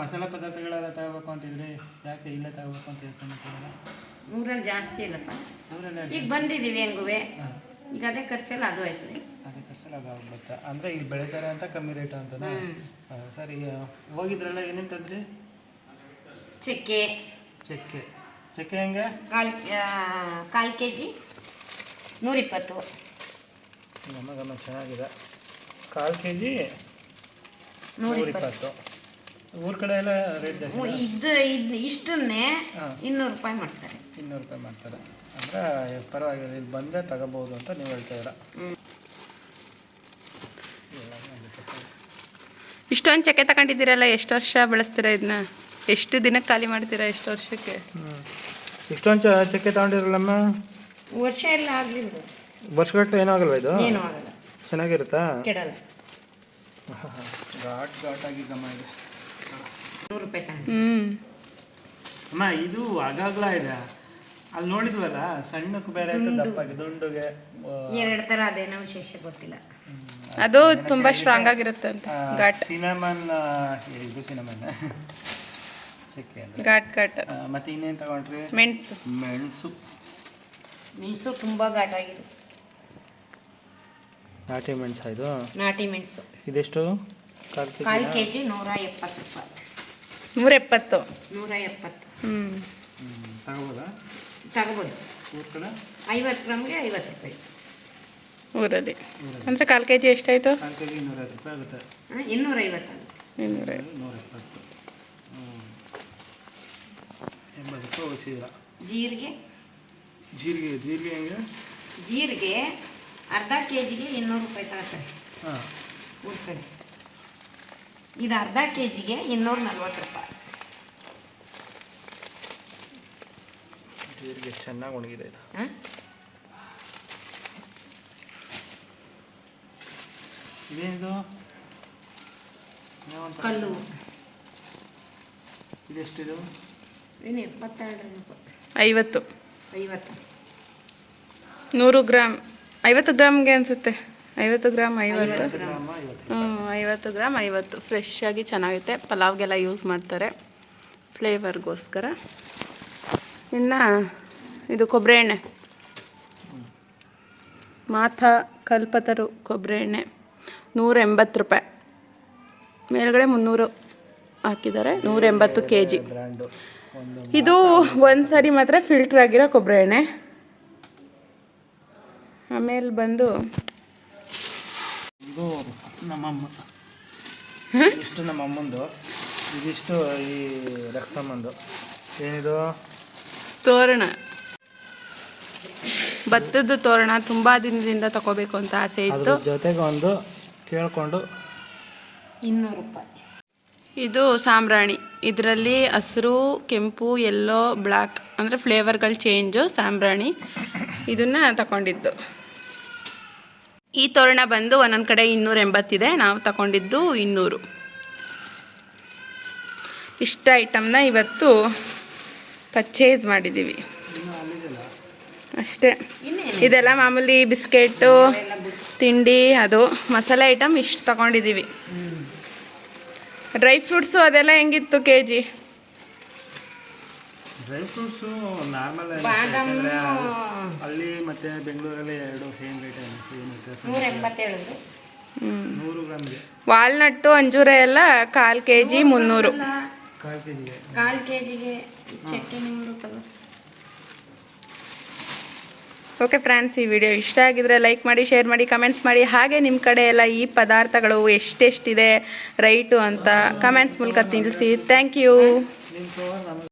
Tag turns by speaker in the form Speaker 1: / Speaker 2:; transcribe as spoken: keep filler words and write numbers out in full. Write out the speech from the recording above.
Speaker 1: ಮಸಾಲೆ ಪದಾರ್ಥಗಳೆಲ್ಲ ತಗೋಬೇಕು ಅಂತಿದ್ರೆ ಯಾಕೆ ಇಲ್ಲೇ ತಗೋಬೇಕು ಅಂತ ಹೇಳ್ಕೊಂಡ್ಬಿಟ್ಟಿಲ್ಲ?
Speaker 2: ಊರಲ್ಲಿ ಜಾಸ್ತಿ ಇಲ್ಲಪ್ಪ,
Speaker 1: ಊರಲ್ಲೇ
Speaker 2: ಈಗ ಬಂದಿದ್ದೀವಿ ಹೆಂಗುವೆ, ಈಗ ಅದೇ ಖರ್ಚೆಲ್ಲ ಅದು ಆಯ್ತದೆ.
Speaker 1: ಅದೇ ಖರ್ಚೆಲ್ಲ ಅದು ಆಗ್ಬಿಡುತ್ತೆ ಅಂದರೆ ಇಲ್ಲಿ ಬೆಳೀತಾರೆ ಅಂತ ಕಮ್ಮಿ ರೇಟು ಅಂತನಾ? ಸರಿ, ಹೋಗಿದ್ರಲ್ಲ ಏನೇನು ತಂದ್ರಿ?
Speaker 2: ಚಕ್ಕೆ
Speaker 1: ಚಕ್ಕೆ ಚಕ್ಕೆ ಹೆಂಗೆ?
Speaker 2: ಕಾಲು ಕಾಲು ಕೆ ಜಿ ನೂರಿಪ್ಪತ್ತು.
Speaker 1: ಗಮ ಗಮ ಚೆನ್ನಾಗಿದೆ. ಕಾಲು ಕೆ ಜಿ ನೂರಿಪ್ಪತ್ತು. ಊರ ಕಡೆ ಎಲ್ಲ ರೇಟ್ ಜಾಸ್ತಿ.
Speaker 2: ಇದು ಇದು ಇಷ್ಟನ್ನೇ ಇನ್ನೂರು ರೂಪಾಯಿ ಮಾಡ್ತಾರೆ.
Speaker 1: ಇನ್ನೂರು ರೂಪಾಯಿ ಮಾಡ್ತಾರೆ ಅಂದರೆ ಪರವಾಗಿಲ್ಲ, ಇಲ್ಲಿ ಬಂದರೆ ತಗೋಬೋದು ಅಂತ ನೀವು ಹೇಳ್ತಾ ಇದ್ದೀರಾ.
Speaker 3: ಇಷ್ಟೊಂದು ಚಕ್ಕೆ ತಗೊಂಡಿದ್ದೀರಲ್ಲ, ಎಷ್ಟು ವರ್ಷ ಬಳಸ್ತೀರಾ ಇದನ್ನ? ಎಷ್ಟು ದಿನಕ್ಕೆ ಖಾಲಿ ಮಾಡ್ತೀರಾ? ಎಷ್ಟು ವರ್ಷಕ್ಕೆ?
Speaker 1: ಇಷ್ಟೊಂದು ಚಕ್ಕೆ ತಗೊಂಡಿರಲ್ಲಮ್ಮ?
Speaker 2: ವರ್ಷ ಎಲ್ಲ ಆಗಲಿ ಬಿಡು,
Speaker 1: ವರ್ಷಗಟ್ಟಲೆ ಏನೂ ಆಗಲ್ವ ಇದು?
Speaker 2: ಏನೂ ಆಗಲ್ಲ,
Speaker 1: ಚೆನ್ನಾಗಿರುತ್ತಾ?
Speaker 2: ಕೆಡಲ್ಲ.
Speaker 1: ಘಾಟ್ ಘಾಟಾಗಿ ಗಮ ಇದೆ.
Speaker 2: ನೂರು ರೂಪಾಯಿ ತಗೊಂಡು
Speaker 3: ಹ್ಞೂ
Speaker 1: ಅಮ್ಮ, ಇದು ಆಗಾಗ್ಲ ಇದೆ. ಅಲ್ಲಿ ನೋಡಿದ್ವಲ್ಲ, ಸಣ್ಣಕ್ಕೆ ಬೇರೆ ಆಯ್ತು, ದಪ್ಪಾಗಿ ದುಂಡುಗೆ
Speaker 2: ಎರಡು ಥರ ಅದೇನೋ ವಿಶೇಷ ಗೊತ್ತಿಲ್ಲ.
Speaker 3: ಅದು ತುಂಬ ಸ್ಟ್ರಾಂಗ್ ಆಗಿರುತ್ತೆ ಅಂತ. ಘಾಟ್
Speaker 1: ಸಿನಮನ್, ಇದು ಸಿನಮನ್ ಚಕ್ಕೆ ಅಂದರೆ
Speaker 3: ಘಾಟ್ ಘಾಟ್.
Speaker 1: ಮತ್ತೆ ಇನ್ನೇನು ತಗೊಂಡ್ರಿ?
Speaker 3: ಮೆಣಸು.
Speaker 1: ಮೆಣಸು
Speaker 2: ಮೆಣಸು ತುಂಬ ಘಾಟಾಗಿದೆ.
Speaker 1: ನಾಟಿ ಮೆಣಸು ಇದು?
Speaker 2: ನಾಟಿ ಮೆಣಸು.
Speaker 1: ಇದೆಷ್ಟು? ಕಾಲು ಕೆ
Speaker 2: ಕಾಲು ಕೆ ಜಿ ನೂರ ಎಪ್ಪತ್ತು ರೂಪಾಯಿ.
Speaker 3: ನೂರ ಎಪ್ಪತ್ತು.
Speaker 2: ನೂರ ಎಪ್ಪತ್ತು.
Speaker 3: ಹ್ಞೂ
Speaker 1: ತಗೋಬೋದಾ?
Speaker 2: ತಗೋಬೋದು.
Speaker 1: ಊರ ಕಡೆ
Speaker 2: ಐವತ್ತು ಗ್ರಾಮ್ಗೆ ಐವತ್ತು ರೂಪಾಯಿ
Speaker 3: ಊರಲ್ಲಿ. ಅಂದರೆ ಕಾಲು ಕೆ ಜಿ ಎಷ್ಟಾಯಿತು?
Speaker 1: ಕಾಲು ಕೆ ಜಿ ಇನ್ನೂರೈವತ್ತು ರೂಪಾಯಿ ಆಗುತ್ತೆ.
Speaker 2: ಇನ್ನೂರೈವತ್ತು.
Speaker 3: ಇನ್ನೂರೈವತ್ತು.
Speaker 1: ನೂರ ಎಪ್ಪತ್ತು. ಹ್ಞೂ ಎಂಬತ್ತು ರೂಪಾಯಿ ಉಳಿಸಿದ್ರ.
Speaker 2: ಜೀರಿಗೆ
Speaker 1: ಜೀರಿಗೆ ಜೀರಿಗೆ ಹೆಂಗೆ?
Speaker 2: ಜೀರಿಗೆ ಅರ್ಧ ಕೆ ಜಿಗೆ ಇನ್ನೂರು ರೂಪಾಯಿ ತಗೋತಾರೆ
Speaker 1: ಹಾಂ
Speaker 2: ಊರ ಕಡೆ. ಇದು ಅರ್ಧ ಕೆ ಜಿಗೆ ಇನ್ನೂರ ನಲ್ವತ್ತು ರೂಪಾಯಿ.
Speaker 1: ಜೀರಿಗೆ ಚೆನ್ನಾಗಿ ಒಣಗಿದೆ ಇದು.
Speaker 2: ಹಾಂ,
Speaker 1: ಇದೇನಿದು?
Speaker 2: ಕಲ್ಲು.
Speaker 1: ಇದೆಷ್ಟಿದು?
Speaker 2: ಏನು ಎಪ್ಪತ್ತೆರಡು ರೂಪಾಯಿ.
Speaker 3: ಐವತ್ತು.
Speaker 2: ಐವತ್ತು.
Speaker 3: ನೂರು ಗ್ರಾಮ್ ಐವತ್ತು ಗ್ರಾಮ್ಗೆ ಅನಿಸುತ್ತೆ. ಐವತ್ತು ಗ್ರಾಮ್ ಐವತ್ತು.
Speaker 1: ಗ್ರಾಮ ಐವತ್ತು.
Speaker 3: ಹ್ಞೂ ಐವತ್ತು ಗ್ರಾಮ್ ಐವತ್ತು. ಫ್ರೆಶ್ ಆಗಿ ಚೆನ್ನಾಗಿರುತ್ತೆ, ಪಲಾವ್ಗೆಲ್ಲ ಯೂಸ್ ಮಾಡ್ತಾರೆ ಫ್ಲೇವರ್ಗೋಸ್ಕರ. ಇನ್ನು ಇದು ಕೊಬ್ಬರಿ ಎಣ್ಣೆ, ಮಾಥಾ ಕಲ್ಪತರು ಕೊಬ್ಬರಿ ಎಣ್ಣೆ ನೂರ ಎಂಬತ್ತು ರೂಪಾಯಿ. ಮೇಲ್ಗಡೆ ಮುನ್ನೂರು ಹಾಕಿದ್ದಾರೆ. ನೂರ ಎಂಬತ್ತು ಕೆ ಜಿ.
Speaker 1: ಬ್ರ್ಯಾಂಡು ಒಂದು.
Speaker 3: ಇದು ಒಂದು ಸಾರಿ ಮಾತ್ರ ಫಿಲ್ಟ್ರ್ ಆಗಿರೋ ಕೊಬ್ಬರಿ ಎಣ್ಣೆ. ಆಮೇಲೆ ಬಂದು
Speaker 1: ಇದು ನಮ್ಮಮ್ಮ, ಇಷ್ಟು ನಮ್ಮಮ್ಮಂದು, ಇದಿಷ್ಟು ಈ ರಕ್ಷಮ್ಮಂದು. ಏನಿದು?
Speaker 3: ತೋರಣ, ಭತ್ತದ ತೋರಣ. ತುಂಬ ದಿನದಿಂದ ತಗೋಬೇಕು ಅಂತ ಆಸೆ ಇತ್ತು.
Speaker 1: ಜೊತೆಗೆ ಒಂದು ಕೇಳಿಕೊಂಡು
Speaker 2: ಇನ್ನೂರು ರೂಪಾಯಿ.
Speaker 3: ಇದು ಸಾಂಬ್ರಾಣಿ. ಇದರಲ್ಲಿ ಹಸಿರು, ಕೆಂಪು, ಯೆಲ್ಲೋ, ಬ್ಲ್ಯಾಕ್ ಅಂದರೆ ಫ್ಲೇವರ್ಗಳು ಚೇಂಜು. ಸಾಂಬ್ರಾಣಿ ಇದನ್ನು ತಗೊಂಡಿದ್ದು. ಈ ತೋರಣ ಬಂದು ಒಂದೊಂದು ಕಡೆ ಇನ್ನೂರ ಎಂಬತ್ತಿದೆ, ನಾವು ತಗೊಂಡಿದ್ದು ಇನ್ನೂರು. ಇಷ್ಟ ಐಟಮ್ನ ಇವತ್ತು ಪರ್ಚೇಸ್ ಮಾಡಿದ್ದೀವಿ ಅಷ್ಟೇ. ಇದೆಲ್ಲ ಮಾಮೂಲಿ ಬಿಸ್ಕೆಟು, ತಿಂಡಿ, ಅದು ಮಸಾಲೆ ಐಟಮ್ ಇಷ್ಟು ತಗೊಂಡಿದ್ದೀವಿ. ಡ್ರೈ ಫ್ರೂಟ್ಸು ಅದೆಲ್ಲ ಹೆಂಗಿತ್ತು K G?
Speaker 1: Dry fruits normal ಅಲ್ಲಿ ಮತ್ತು ಬೆಂಗಳೂರಲ್ಲಿ ಎರಡು ಸೇಮ್ ರೇಟ್ ಸೇಮ್ ಇರುತ್ತೆ.
Speaker 2: ನೂರ ಎಂಬತ್ತೇಳು.
Speaker 1: ನೂರು ಗ್ರಾಮ್ಗೆ.
Speaker 3: ವಾಲ್ನಟ್ಟು, ಅಂಜೂರ ಎಲ್ಲ ಕಾಲು ಕೆ ಜಿ ಮುನ್ನೂರು.
Speaker 1: ಕಾಲು ಕೆ ಜಿಗೆ
Speaker 2: ಕಾಲು ಕೆ ಜಿಗೆ ಚಕ್ಕೆ ನೂರು ಕಲರ್.
Speaker 3: ಓಕೆ ಫ್ರೆಂಡ್ಸ್, ಈ ವಿಡಿಯೋ ಇಷ್ಟ ಆಗಿದ್ರೆ ಲೈಕ್ ಮಾಡಿ, ಶೇರ್ ಮಾಡಿ, ಕಮೆಂಟ್ಸ್ ಮಾಡಿ. ಹಾಗೆ ನಿಮ್ಮ ಕಡೆ ಎಲ್ಲ ಈ ಪದಾರ್ಥಗಳು ಎಷ್ಟೆಷ್ಟಿದೆ ರೈಟು ಅಂತ ಕಮೆಂಟ್ಸ್ ಮೂಲಕ ತಿಳಿಸಿ. Thank you.